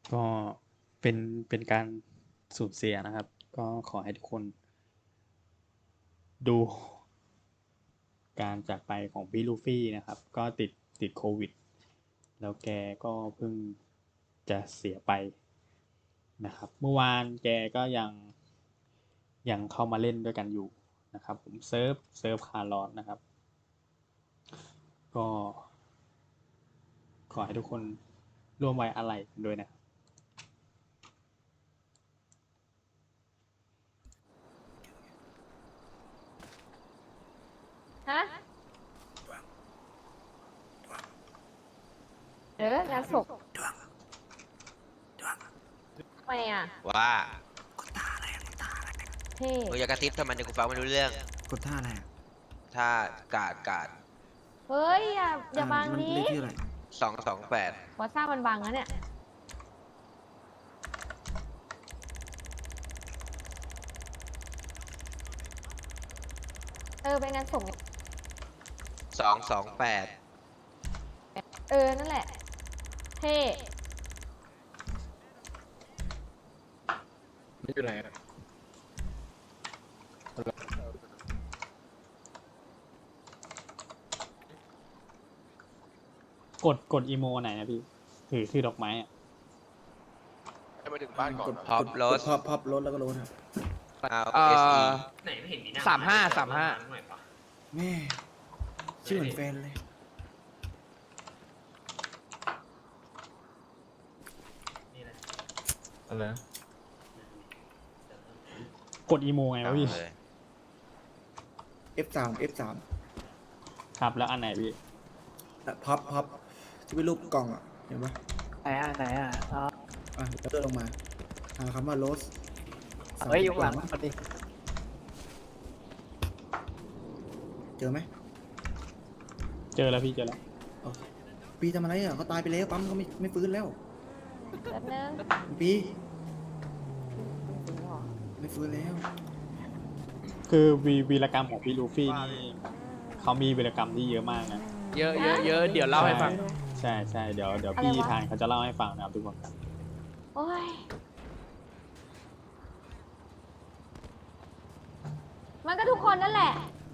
ก็เป็นเป็นการสูญเสียนะครับ ก็ขอให้ทุกคนดูการจากไปของพี่ลูฟี่นะครับ ก็ติดโควิดแล้วแกก็เพิ่งจะเสียไปนะครับ เมื่อวานแกก็ยังเข้ามาเล่นด้วยกันอยู่นะครับผมเซิร์ฟคาร์ลอสนะครับ ก็ขอให้ทุกคนร่วมไว้อาลัยกันด้วยนะครับฮะงานศพทำไมอ่ะว่าเท่มึงอย่ากระซิบทำไมเดี๋ยวกูฟังไม่รู้เรื่องกดท่าอะไรอะถ้ากาดเฮ้ยอย่าบังมันดิเลขที่อะไร 228 วอซ่ามันบังนะเนี่ยไปงานศพ 228 นั่นแหละเท่ไม่อยู่ไหนอะกดอีโมไหนนะพี่ถือดอกไม้อะให้มาถึงบ้านก่อนกดนะพับรถพับรถแล้วก็รถครับเอา SE ไหนไม่เห็นมีหน้า 35 หน่อยปะแม่ชื่อเหมือนแฟนเลยนี่แหละอะไรนะกดอีโมไงวะพี่เลย F3 F3 ครับแล้วอันไหนพี่พับที่เป็นรูปกล่องอ่ะเห็นปะไหนอ่ะอ๋อแล้วเดินลงมาหาคำว่าโรสเฮ้ยอยู่หลังพอดีเจอไหมเจอแล้วพี่เจอแล้วโอเคปีทำอะไรอ่ะเขาตายไปแล้วปั๊มเขาไม่ฟื้นแล้วแป๊บนึงปีไม่ฟื้นแล้วคือวีรกรรมของพี่ลูฟี่นี่เขามีวีรกรรมที่เยอะมากนะเยอะเดี๋ยวเล่าให้ฟังใช่เดี๋ยวพี่ทานเขาจะเล่าให้ฟังนะครับทุกคนครับโอ้ยมันก็ทุกคนนั่นแหละ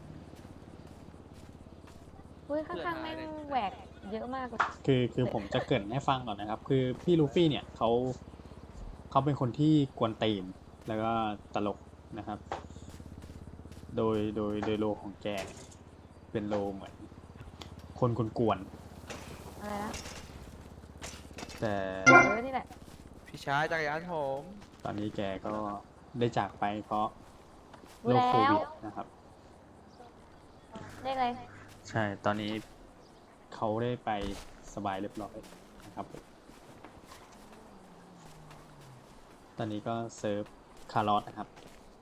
อุ้ยข้างๆแม่งแหวกเยอะมากเลยคือผมจะเกริ่นให้ฟังก่อนนะครับ คือพี่ลูฟี่เนี่ยเขาเป็นคนที่กวนตีนแล้วก็ตลกนะครับ โดยโลของแกเนี่ยเป็นโลเหมือนคนกวนอะไรนะๆแต่นี่แหละพี่ชายจักรยานผมตอนนี้แกก็ได้จากไปเพราะโรคโควิดนะครับเรียกอะไรใช่ ตอนนี้เขาได้ไปสบายเรียบร้อยนะครับผมตอนนี้ก็เซิร์ฟคาร์ลอสนะครับ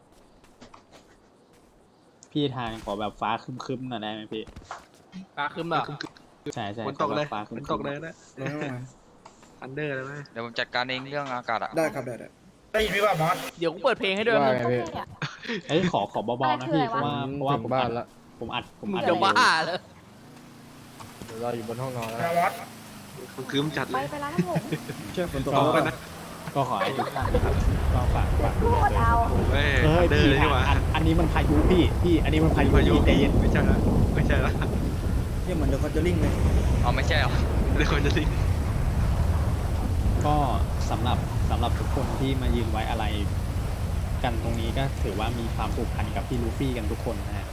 พี่ทานขอแบบฟ้าครึ้มๆหน่อยได้ไหมพี่ฟ้าขึ้นแบบใช่ฝนตกเลยขอแบบฟ้าครึ้ฝมนๆตกเลยนะลงมาอันเดอร์เลยไหมเดี๋ยวผมจัดการเองเรื่องอากาศอ่ะได้ครับได้เดี๋ยวกูเปิดเพลงให้ด้วยก็เท่อะเอ้ยขอเบาๆนะพี่เพราะว่าผมอัดผมอัดมึงจะบ้าเลยเราอยู่บนห้องนอนแล้วคืมจัดไปเลยไปร้านน้ำผมเชื่อฝนตกก็แล้วกันนะก็ขอให้ทุกท่านนะครับก็ฝากพูดูดแลเอาเฮ้ยเฮ้อัยนเดอร์พี่เลยนี่หว่าอันนี้มันพายุพี่อันนี้มันพายุพายุพี่ใจเย็นไม่ใช่ละไม่ใช่ละเนี่ยเหมือนเดอะคอนเจอริ่งเลยอ๋อไม่ใช่หรอเดี๋ยวคนจะทิ้งก็สำหรับทุกคนที่มายืนไว้อะไรกันตรงนี้ก็ถือว่ามีความผูกพันกับพี่ลูฟี่กันทุกคนนะฮะ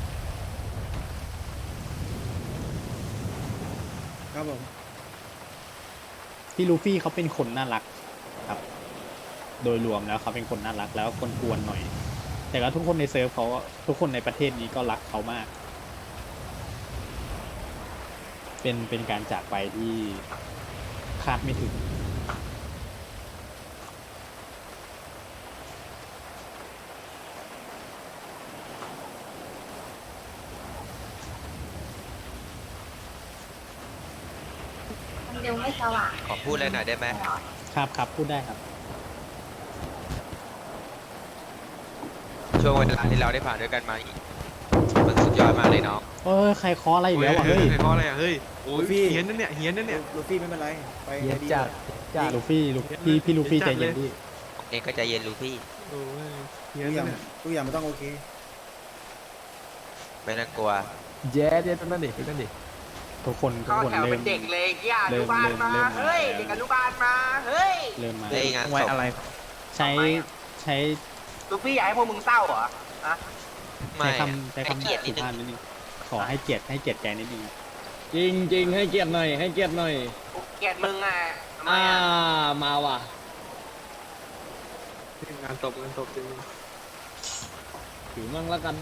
ครับผมพี่ลูฟี่เขาเป็นคนน่ารักครับ โดยรวมแล้วเขาเป็นคนน่ารักแล้วคนกวนหน่อย แต่ก็ทุกคนในเซิร์ฟเขาทุกคนในประเทศนี้ก็รักเขามาก เป็นการจากไปที่คาดไม่ถึงมันยังไม่สว่างขอพูดอะไรหน่อยได้ไหมครับพูดได้ครับช่วงเวลาที่เราได้ผ่านด้วยกันมาอีกมันสุดยอดมากเลยน้องใครเคออะไรอีกแล้วอ่ะเฮ้เฮ้ยยใครเพราะอะไรอ่ะเฮ้ยโอ้ยเฮียนนั่นเนี่ยเฮียนนั่นเนี่ยลูฟี่ไม่เป็นไรไปเย็นดีจัดลูฟี่พี่ลูฟี่ใจเย็นพี่เองก็ใจเย็นลูฟี่โอ้ยทุกอย่างทุกอย่างมันต้องโอเคไม่ต้องกลัวเจ๊เจ๊ตั้งนั่นดิตั้งนั่นดิทุกคนเริ่ม เริ่มมาเฮ้ยเด็กอนุบาลมาเฮ้ยเริ่มมาเฮ้ยงานศพใช้ลูฟี่อยากให้พวกมึงเศร้าเหรอฮะไม่ใช้ให้คำเกียรติสุนิดนึภาพงนิดนึงขอให้เกียรติแกนิดนึงจริงจริงให้เกียรติหน่อยให้เกียรติหน่อยเกลียดมึงอ่ะทำไมอ่าอ่ะมาว่ะงานตบจริงถือมั่งแล้วกัน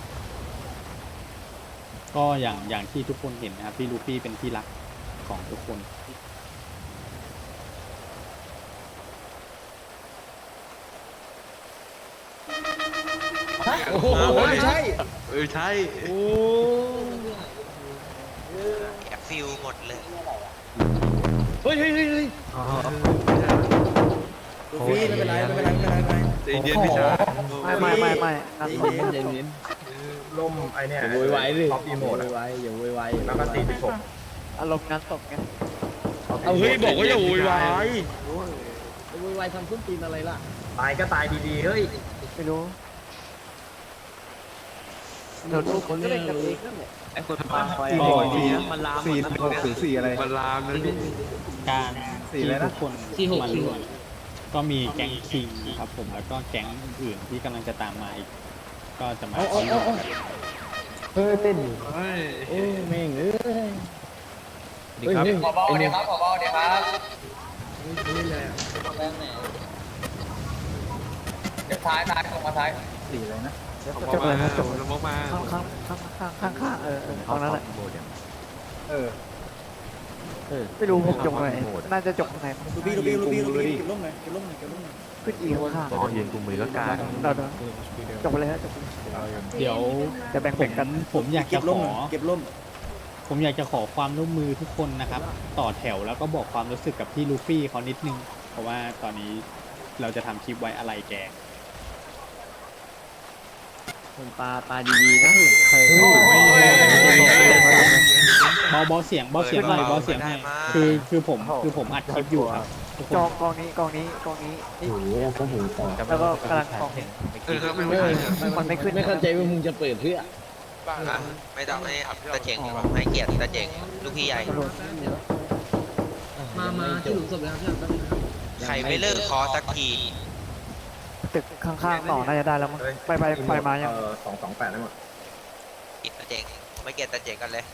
ก็อย่างที่ทุกคนเห็นนะครับพี่ลูฟี่เป็นที่รักของทุกคนโอ้โหไม่ใช่ใช่โอ้แอบฟิลหมดเลยเฮ้ยเฮ้ยเฮ้ยเฮ้ยลูฟี่ไม่เป็นไรไม่เป็นไรไม่เป็นไรไม่เป็นไรใจเย็นพี่ชายไม่ใจเย็นใจเย็นล่มไอเนี่ยอย่าโวยวายดิอย่าโวยวายอย่าโวยวายแล้วก็46 อารมณ์งานศพไงเอาเฮ้ยบอกว่าอย่าโวยวายโวยวายทำส้นตีนอะไรล่ะตายก็ตายดีๆเฮ้ยไม่รู้เดี๋ยวลูกคนเล่นกันเองนั่นแหละไอ้คนทำมันลาม 4 อะไรมันลามนะพี่การที่ทุกคนมาร่วมก็มีแก๊งคิงครับผมแล้วก็แก๊งอื่นๆที่กำลังจะตามมาอีก ก็จะมาร่วมกันเฮ้ยโอ้แม่งเอ้ยดีครับผบเดี๋ยวครับผบเดี๋ยวครับเดี๋ยวท้ายส่งมาท้ายจบเลยนะจบแล้วมาข้างตรงนั้นแหละไม่รู้ผมจบไหนน่าจะจบไหนลูฟี่เก็บร่มหน่อยเก็บร่มหน่อยขึ้นอีกข้างอ๋อยืนกุมมือแล้วกันเราจบไปเลยฮะจบเดี๋ยวจะแบ่งกันผมอยากเก็จะบขร่มอหน่อยเก็บร่มผมอยากจะขอความร่วมมือทุกคนนะครับ ต่อแถวแล้วก็บอกความรู้สึกกับพี่ลูฟี่เขานิดนึง เพราะว่าตอนนี้เราจะทำคลิปไว้อะไรแกคนปลาดีๆนะเบาเสียงหน่อยเบาเสียงหน่อยคือผมอัดคลิปอยู่ครับทุกคนกองนี้นี่แล้วก็กำลังกอง มันไม่ขึ้นไม่เข้าใจว่ามึงจะเปิดเพื่ออ่ะไม่ต้องให้อับตาเจ๋งดีกว่าให้เกียรติตาเจ๋งลูกพี่ใหญ่มาที่หลุมศพแล้วครับใครไม่เลิกคอสักทีตึกข้างๆต่อน่าจะได้แล้วมั้งไปมายัง 228ได้หมดเกียรติตาเจ๋งไม่เกียรติตาเจ๋งกันเลย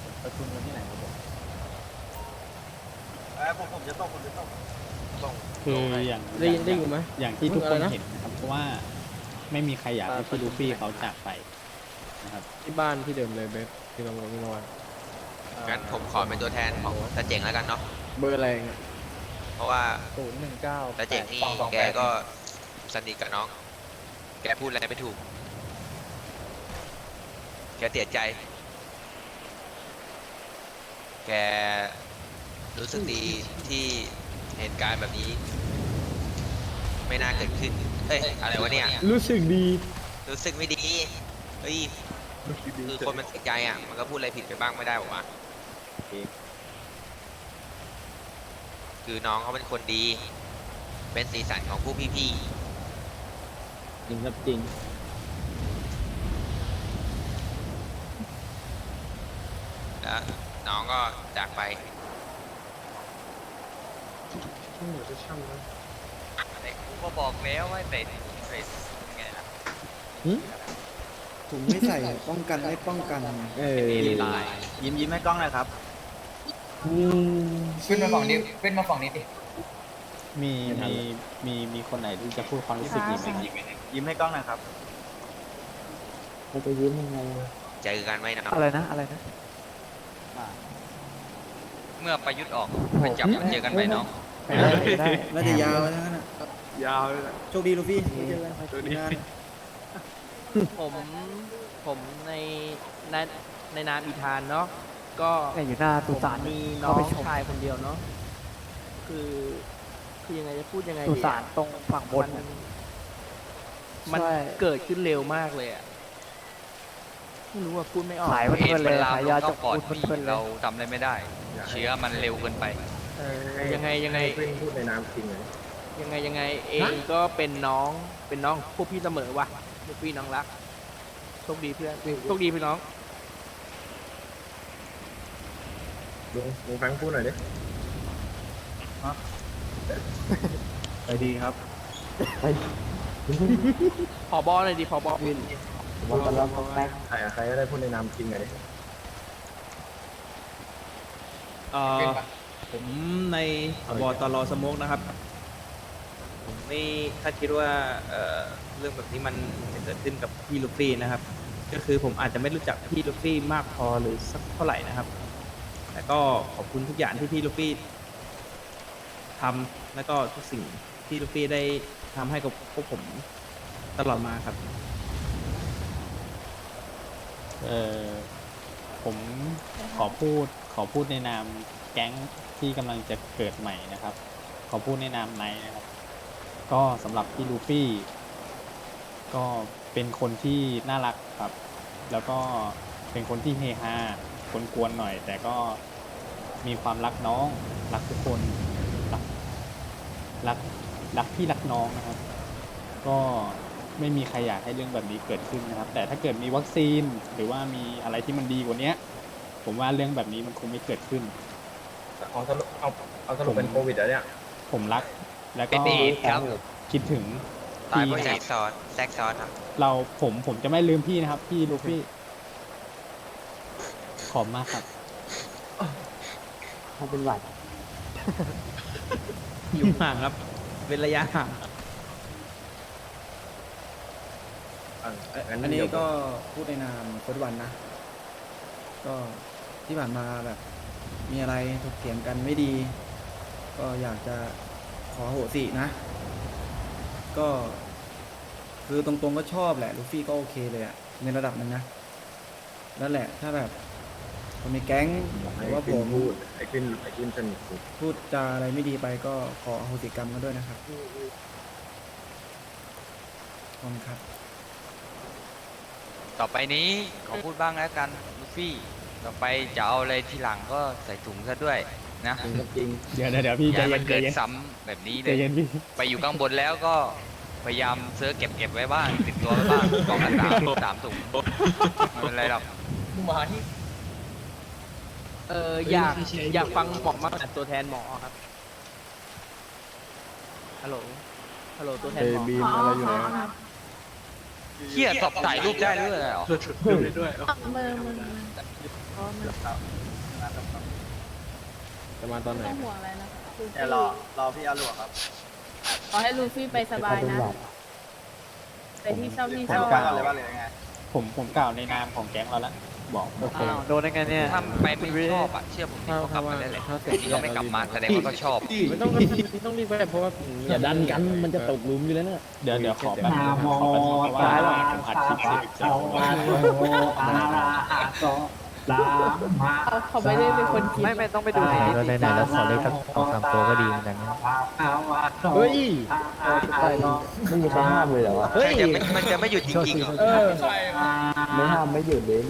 ผมจะต้องคืออย่างได้อยู่ไหมอย่างที่ทุกคนเห็นนะครับเพราะว่าไม่มีใครอยากให้พี่ลูฟี่เขาจากไปนะครับที่บ้านที่เดิมเลยเบสที่เราเมื่อวานงั้นผมขอเป็นตัวแทนของตาเจ๋งแล้วกันเนาะเบอร์อะไรเพราะว่า 019 ตาเจ๋งนี่แกก็สนิทกับน้อง แกพูดอะไรไม่ถูก แกเสียใจ แกรู้สึกดีที่เหตุการณ์แบบนี้ ไม่น่าเกิดขึ้น เอ้ยอะไรวะเนี่ยรู้สึกดีรู้สึกไม่ดี เฮ้ย คือคนมันเสียใจอ่ะ มันก็พูดอะไรผิดไปบ้างไม่ได้หรอวะคือน้องเขาเป็นคนดี เป็นสีสันของผู้พี่จริงครับจริงๆ แล้วน้องก็จากไป แต่กูก็บอกแล้วว่าเป็นไงล่ะถุงไม่ใส่ป้องกันไม่ป้องกันเออยิ้มให้กล้องหน่อยครับอืมขึ้นมาฝั่งนี้ดิมีคนไหนที่จะพูดความรู้สึกนี้ไหมครับยิ้มให้กล้องหน่อยครับเขาจะยิ้มยังไงเจอกันไหมนะอะไรนะเมื่อประยุทธ์ออกไปจับเจอกันไหมน้องไปได้น่าจะยาวนะนั่นน่ะยาวเลยโชคดีลูฟี่ตัวนี้งานผมในนามอีธานเนาะก็เนี่ยอยู่หน้าสุสานมีน้เข้าองไปชมชายคนเดียวเนาะคือยังไงจะพูดยังไงสุดีสานตรงฝั่งบนมันใช่เกิดขึ้นเร็วมากเลยอะไม่รู้ว่าพูดไม่ออกขายเพลินๆเลยขายยาจกปอดพูดพี่เพลินๆเลเรายทำอะไรไม่ได้ เชื้อมันเร็วเกินไปยังไงยังไงเพื่อนพูดในน้ำจริงเลยยังไงเองก็เป็นน้องพวกพี่เสมอว่ะลูกพี่น้องรักโชคดีเพื่อนโชคดีพี่น้องลุงแฟงพูดหน่อยดิไปดีครับผอบอหน่อยดิผอบอใครก็ได้พูดในน้ำจริงหน่อยดิผมในบตรสโมกนะครับ ผมไม่คาดคิดว่าเรื่องแบบนี้มันจะเกิดขึ้นกับพี่ลูฟี่นะครับ ก็คือผมอาจจะไม่รู้จักพี่ลูฟี่มากพอหรือสักเท่าไหร่นะครับ แต่ก็ขอบคุณทุกอย่างที่พี่ลูฟี่ทำแล้วก็ทุกสิ่งที่ลูฟี่ได้ทำให้กับพวกผมตลอดมาครับผมขอพูดในนามแก๊งที่กำลังจะเกิดใหม่นะครับ ขอพูดในนามไนท์นะครับ ก็สำหรับพี่ลูฟี่ ก็เป็นคนที่น่ารักครับ แล้วก็เป็นคนที่เฮฮากวนๆหน่อย แต่ก็มีความรักน้อง รักทุกคนรักพี่รักน้องนะครับ ก็ไม่มีใครอยากให้เรื่องแบบนี้เกิดขึ้นนะครับ แต่ถ้าเกิดมีวัคซีนหรือว่ามีอะไรที่มันดีกว่านี้ผมว่าเรื่องแบบนี้มันคงไม่เกิดขึ้นเอาสรุปเป็นโควิดแล้วเนี่ยผมรักแล้วเป็ก็นเอดครับคิดถึงตายพี่เพราะนะแทครรับกซ้อนแทรกซ้อนครับผมจะไม่ลืมพี่นะครับ พี่ลูฟี่ขอบมากครับอยู่ห่างครับ เป็นระยะห่างอันนี้ก็พูดในนามโค้ชวันนะ ก็ที่ผ่านมาแบบ มีอะไรถกเถียงกันไม่ดี ก็อยากจะขอโหสินะ ก็คือตรงๆก็ชอบแหละลูฟี่ก็โอเคเลยอะในระดับหนึงนะนั่นแหละถ้าแบบคนในแก๊งหรือว่าผมไอ้กินสนิทสุดพูดจาอะไรไม่ดีไปก็ขออโหสิกรรมกันด้วยนะครับขอบคุณครับต่อไปนี้ขอพูดบ้างแล้วกันลูฟี่ต่อไปจะเอาอะไรทีหลังก็ใส่ถุงซะด้วยนะจริงเดี๋ยวพี่อใจย่าให้เย็มันนใจเกิดเย็นซ้ำแบบนี้เลใจยเย็นพี่ไปอยู่ข้างบนแล้วก็พยายามเสื้อเก็บไว้บ้างติดตัวไว้บ้างกล่องละสามถุงไม่เป็นไรหรอกอยากฟังหมอมากตัวแทนหมอครับฮัลโหลตัวแทนหมออะไรอยู่ไหนเฮียสอบถ่ายรูปได้ด้วยเหรอจะมาตอนไหนต้องห่วงอะไรนะเดี๋ยวรอพี่อาหลวงครับขอให้ลูฟี่ไปสบายนะไปที่ชอบที่ชอบผมกล่าวในนามของแก๊งเราแล้วบอกโอเคอ้าวโดนได้ไงเนี่ยถ้าไปไม่ชอบอ่ะเชื่อผมดิเขากลับมาได้เลยที่เขาไม่กลับมาแสดงว่าเขาชอบไม่ต้องต้องรีบไปเพราะว่าอย่าดันกันมันจะตกหลุมอยู่แล้วเนี่ยเดี๋ยวขอแป๊บนึงนะครับขอแป๊บนึงเพราะว่าผมอัดคลิปเสร็จจะเขาไม่ได้เป็นคนคิดไม่ต้องไปดูในนี้ในแล้วขอเลขสัก2-3ตัวก็ดีเหมือนกันนะเฮ้ยไม่มีใครห้ามเลยเหรอวะเฮ้ยมันจะไม่หยุดจริงๆเหรอเออไม่ห้ามไม่หยุดเลย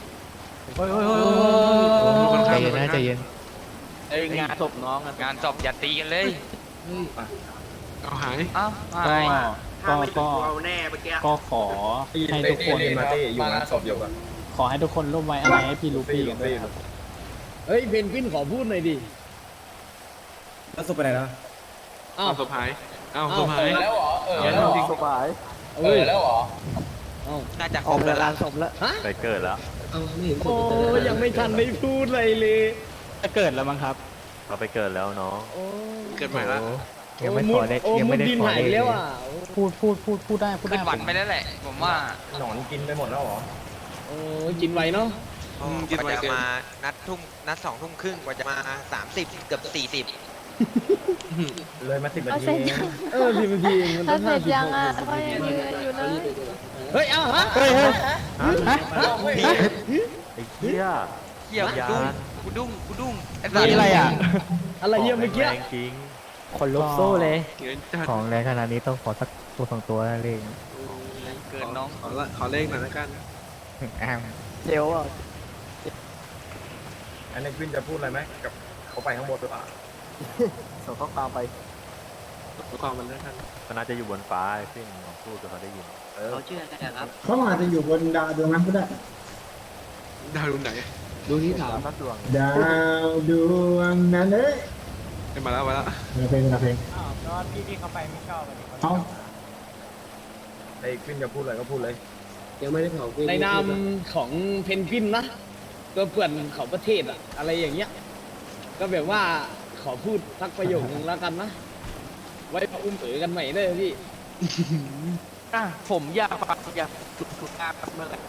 ใจเย็นนะใจเย็นงานศพน้องอะงานสอบอย่าตีกันเลยเอาหายอ้าวก็หายก็ขอให้ทุกคนมาที่อยู่งานศพอยู่กันขอให้ทุกคนร่วมไว้อะไรให้พี่ลูฟี่กันด้วยนะครับเฮ้ยเพนกวินขอพูดหน่อยดิแล้วสุดไปไหนแล้วอ้าวศพหายอ้าวศพหายแล้วเหรอจริงสบายเฮ้ยแล้วน่าจะคอรอบ กแล้จาว กล่ะลานศพแล้วฮะไปเกิดแล้วโอ้ยังไม่ทันได้พูดอะไรเลยจะเกิดแล้วมั้งครับเราไปเกิดแล้วเนาะโอ้เกิดใหม่ละยังไม่ขอเลขโอ้ยังมุไม่ดได้ดินขอหายเลขแล้วอ่ะพูดได้ขึ้นหวันไปแล้วแหละ ผมว่าหนอนกินไปหมดแล้วเหรอโอ้กินไวเนาะกว่าจะมานัด2 ทุ่มครึ่งกว่าจะมา 30 เกือบเลยมา10 นาเอาทีเสร็จยัง 10 นาทีเองมันถ้าต้องเสร็จยังอ่ะ 50 ก็ยังยืนอยู่เลยเฮ้ยอ้าวฮะเฮ้ยเฮียกูดุ้งไอ้สัตนี่ว์อะไรอ่ะอะไรเยี่ยมเมื่อกี้คนลุกสู้เลยเกินจัดของแรงขนาดนี้ต้องขอสักตัว2ตัวนั่นเองเกินน้องขอเลขหน่อยละกันเดี๋ยวอ่ะอันนี้วินจะพูดอะไรไหมกับเขาไปข้างบนหรือเปล่าส่งข้อความไปความมันด้วยกันก็น่าจะอยู่บนฟ้าซึ่งลองพูดจนเขาได้ยินเขาเชื่อกันนะครับเขาอาจจะอยู่บนดาวดวงนั้นก็ได้ดาวดวงไหนดูที่ถามสักดวงดาวดวงนั้นเลยมาแล้วเพลงเพลงอ้าวก็พี่เขาไปไม่ชอบอันนี้เอาไอ้ขึ้นจะพูดอะไรก็พูดเลยยังไม่ได้เผาในนามของเพนกวินนะตัวเปื่อนของประเทศอะอะไรอย่างเงี้ย ก็แบบว่าขอพูดสักประโยคนึงแล้วกันนะ ไว้มาอุ้มเอ๋กันใหม่เลยพี่ผมอยากฟังอยากถูกงานเมื่อไหร่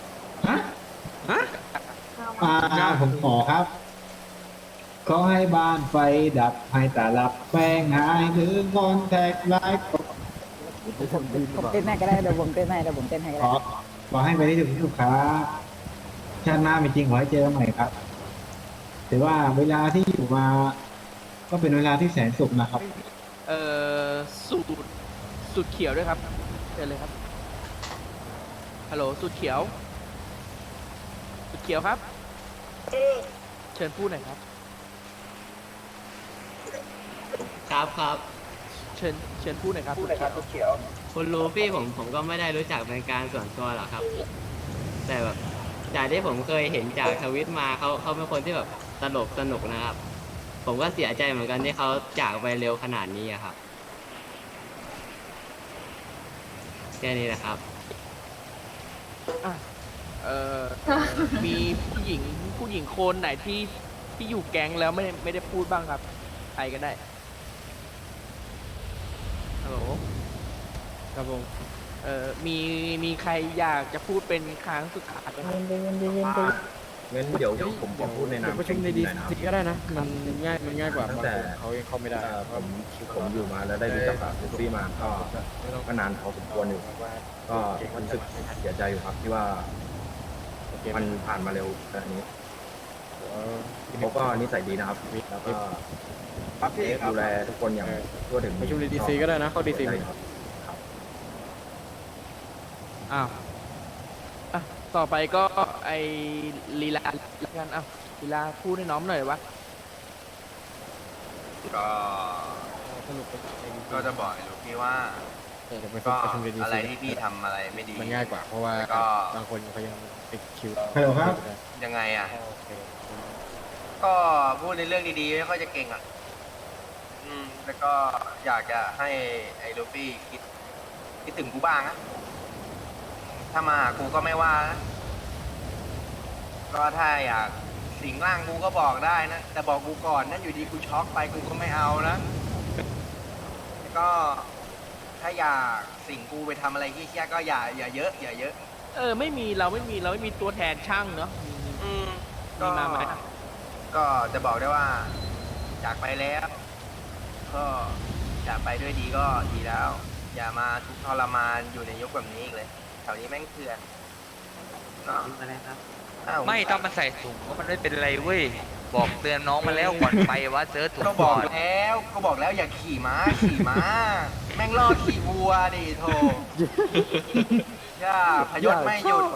ผมขอครับ ขอให้บ้านไฟดับให้ตาลับแป้งหายหรืองอนแทกลายผมเต้นให้ก็ได้เดี๋ยวผมเต้นให้ก็ขได้ขอให้ไปได้ถึงที่สุดครับชาติหน้ามีจริงขอให้เจอกันใหม่ครับถือว่าเวลาที่อยู่มา ก็เป็นเวลาที่แสนสุขนะครับสูตรเขียวด้วยครับเชิญเลยครับฮัลโหลสูตรเขียวครับเชิญพูดหน่อยครับครับเชิญพูดหน่อยครับสูตรเขียวคุณลูฟี่ผมก็ไม่ได้รู้จักเป็นการส่วนตัวหรอกครับ แต่แบบจากที่ผมเคยเห็นจากทวิตมาเขาเป็นคนที่แบบตลกสนุกนะครับ ผมก็เสียใจเหมือนกันที่เขาจากไปเร็วขนาดนี้อะครับแค่นี้แหละครับมีผู้หญิงคนไหนที่อยู่แก๊งแล้วไม่ได้พูดบ้างครับใครก็ได้ฮัลโหลครับผมมีใครอยากจะพูดเป็นครั้งสุดท้ายไหมครับงั้นเดี๋ยวผมขอพูดในนามประชุมในดีซีก็ได้นะ มันง่ายกว่าตั้งบางแต่คนเขายังเข้าไม่ได้ผมอยู่มาแล้วได้รู้จักกับลูฟี่มาก็นานพอสมควรอยู่ก็รู้สึกเสียใจอยู่ครับที่ว่ามันผ่านมาเร็วแบบนี้เขาก็นิสัยดีนะครับ แล้วก็ดูแลทุกคนอย่างทั่วถึงประชุมในดีซีก็ได้นะ เข้าดีซีครับอ้าวอ่ะต่อไปก็ไอลีลาแล้วกันอ้าวลีลาพูดให้น้องหน่อยวะก็จะบอกลูกพี่ว่าก็อะไรที่พี่ทำอะไรไม่ดีมันง่ายกว่า เพราะว่าก็บางคนเขายังติดคิวฮัลโหลครับยังไงอ่ะ ก็พูดในเรื่องดีๆไม่ค่อยจะเก่งอ่ะ แล้วก็อยากจะให้ไอ้ลูฟี่คิดถึงกูบ้างนะถ้ามาหากูก็ไม่ว่านะก็ถ้าอยากสิงร่างกูก็บอกได้นะ แต่บอกกูก่อนนั่นอยู่ดีกูช็อกไปกูก็ไม่เอานะแล้วก็ถ้าอยากสิงกูไปทำอะไรที่เชี่ยก็อย่าเยอะอย่าเยอะไม่มีเราไม่มีตัวแทนช่างเนาะก็มีมาไหมก็จะบอกได้ว่าจากไปแล้ว ก็จากไปด้วยดีก็ดีแล้ว อย่ามาทุกข์ทรมานอยู่ในยุคแบบนี้อีกเลยแถวนี้แม่งเถื่อนเนาะอ้าวไม่ต้องมันใส่ถุงเพราะมันไม่เป็นไรเว้ย บอกเตือนน้องมาแล้วก่อนไปว่าเจอถุงก็บก่ออก นแล้วก็บอกแล้วอย่าขี่ม้าแม่งล่อขี่วัวดิโธ่ย่าพยศไม่หยุด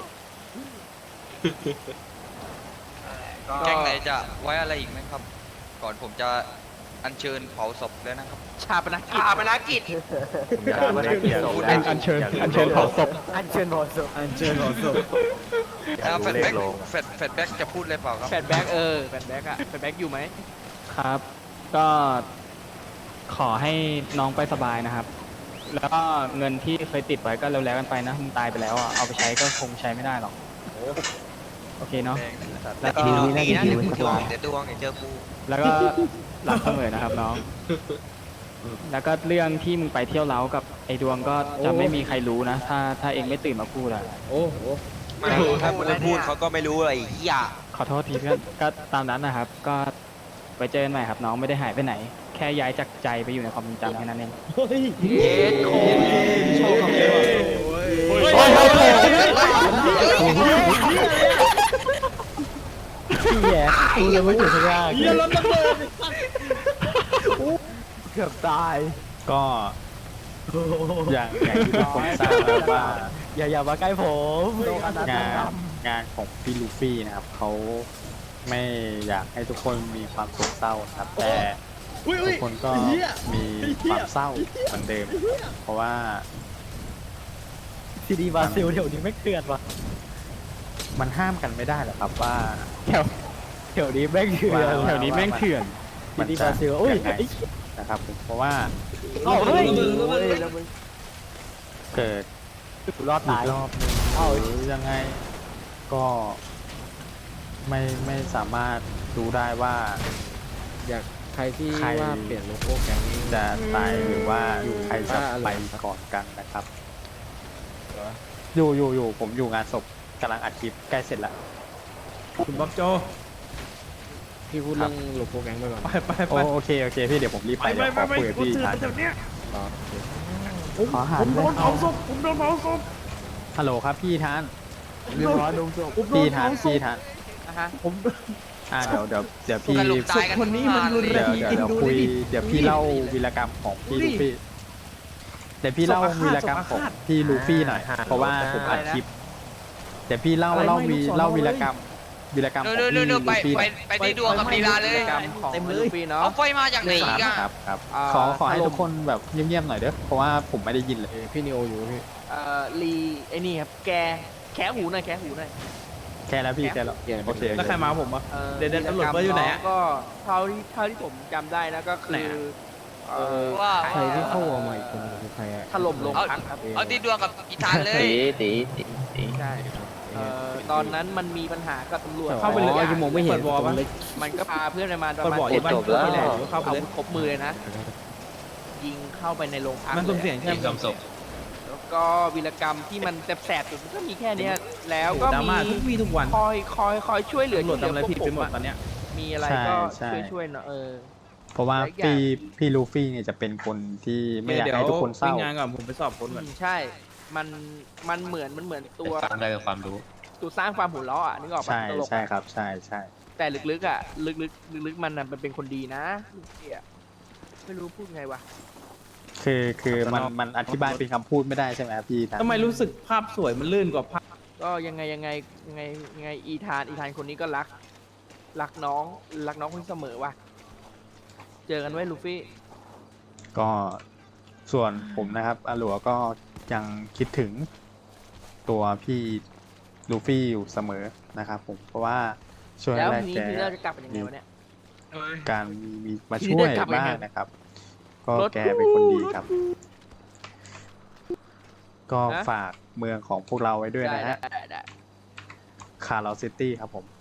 ก็แก๊งไหนจะไว้อะไรอีกไหมครับ ก่อนผมจะอัญเชิญเผาศพแล้วนะครับชาปนกิจอาปนากิจผมอยากรู้ได้เกี่ยวกับอันเชิญเผาศพอันเชิญพอสุอันเชิญขอศพอยากแฟรู้ดเลแบ็ขกลงแฟดแบ็กจะพูดเลยเปล่าครับแฟดแบ็กแฟดแบ็กอะแฟดแบ็กอยู่ไหมครับ ก็ขอให้น้องไปสบายนะครับ แล้วก็เงินที่เคยติดไว้ก็แล้วๆกันไปนะมึงตายไปแล้วอ่ะเอาไปใช้ก็คงใช้ไม่ได้หรอก โอเคเนาะ แล้วก็ดีนะเดี๋ยวกูดวงเดี๋ยวเจอกูแล้วก็หลับเสมอนะครับน้อง แล้วก็เรื่องที่มึงไปเที่ยวเล้ากับไอ้ดวงก็จะไม่มีใครรู้นะ ถ้าเองไม่ตื่นมาพูดอะโอ้โหไม่รู้ถ้าไม่พูดเขาก็ไม่รู้อะไรอย่าขอโทษทีเพื่อน ก็ตามนั้นนะครับ ก็ไปเจอกันใหม่ครับน้องไม่ได้หายไปไหน แค่ย้ายจากใจไปอยู่ในความทรงจำแค่นั้นเองเย็ดโคตรชอบคำนี้ว่ะแย่กูยังไม่ถึงข้างล่างเยี่ยรถระเบิดเกือบตายก็อย่างที่ทุกคนทราบแล้วว่าอย่ามาใกล้ผมงานของพี่ลูฟี่นะครับเขาไม่อยากให้ทุกคนมีความโศกเศร้าครับ แต่ทุกคนก็มีความเศร้าเหมือนเดิม เพราะว่าซีดีบราซิลเดี๋ยวนี้ไม่เถื่อนว่ะมันห้ามกันไม่ได้หรอกครับว่าแถวนี้แม่งเถื่อนแถวนี้แม่งเถื่อนซีดีบราซิลโอ้ยยังไงนะครับผมเพราะว่าเฮ้ยเกิดกูรอดตายรอบนึงหรือยังไงก็ไม่สามารถรู้ได้ว่าอยากใครที่ใครว่าเปลี่ยนโลโก้แก๊งนี้จะตายหรือว่าใครจะอะไรไปก่อนกันนะครับ อยู่ผมอยู่งานศพกำลังอัดคลิปใกล้เสร็จแล้วคุณบ๊อบโจพี่พูดเรื่องโลโก้แก๊งไปก่อนโอเคพี่เดี๋ยวผมรีบไปเดี๋ยวขอคุยกับพี่ทันขอหาผมโดนเผาศพฮัลโหลครับพี่ทันเรียบร้อยลงศพพี่ทันนะฮะเดี๋ยวพี่กันลุมตายกันคนนี้มันรุนแรงเดี๋ยวคุยเดี๋ยวพี่เล่าวีรกรรมของพี่ลูฟี่เดี๋ยวพี่เล่าวีรกรรมของพี่ลูฟี่หน่อยเพราะว่าผมอัดคลิปเดี๋ยวพี่เล่าวีรกรรมของพี่นู่ลูนๆๆไปฟี่หไปน่อยไปที่ดวงกับลีลาเลยกรรมของลูฟี่เนาะเอาไฟมาจากไหนอีกอะครับขอให้ทุกคนแบบเงียบๆหน่อยเด้อเพราะว่าผมไม่ได้ยินเลยพี่นิโออยู่พี่ลีไอ้นี่ครับแกแคะหูหน่อยแค่แล้วพี่แค่แล้วโอเคแล้วใครมาผมอ่ะ เดี๋ยวตำรวจวีว่าอยู่ไหนกรอะรมก็เท่าที่ผมจำได้นะก็คือว่าใครที่เข้าวอร์มาอีกคนคือใครอะถล่มโรงพักครับเอาที่ดวงกับอีธานเลยใช่ตอนนั้นมันมีปัญหากับตำรวจเข้าไปเลยยังมองไม่เห็นเปิดวอลปะมันก็พาเพื่อนมาประเปิดมาณวอลอยู่บ้านนี่แหละเดี๋ยวเข้าไปอาเลวุยธครบมือเลยนะ ยิงเข้าไปในโรงพักมันสุ่มเสี่ยงใช่ไหมแล้วก็วีรกรรมที่มันแสบๆสุดมันก็มีแค่เนี้ยแล้วก็ดราม่าทุกวี่ทุกวันคอยช่วยเหลือตำรวจทำอะไรผิดไปหมดตอนเนี้ยมีอะไรก็ช่วยเนาะเพราะว่าพี่ลูฟี่เนี่ยจะเป็นคนที่ไม่อยากให้ทุกคนเศร้างานก่อนผมไปสอบคนก่อนใช่ มันเหมือนตัวฟังได้เป็นความรู้ตัวสร้างความหัวเราะอ่ะนึกออกปะใช่ตลกใช่ครับใช่แต่ลึกๆอ่ะลึกๆมันน่ะมันเป็นคนดีนะลูกเสี่ยไม่รู้พูดไงวะคือมันอธิบายเป็นคำพูดไม่ได้ใช่ไหมครับพี่ทันทำไมรู้สึกภาพสวยมันลื่นกว่าภาพก็ยังไงอีธานคนนี้ก็รักน้องคนนี้เสมอว่ะเจอกันไว้ลูฟี่ก็ส่วนผมนะครับอาหลัวก็ยังคิดถึงตัวพี่ลูฟี่อยู่เสมอนะครับผมเพราะว่าช่วงแล้วแรกทีนี้แกคือเราจะกลับเป็นยังไงวะเนี่ยการมีมาช่วยบ้างนะครับ ก็แกเป็นคนดีครับ ก็ฝากเมืองของพวกเราไว้ด้วยนะฮะได้คาร์ลซิตี้ครับผม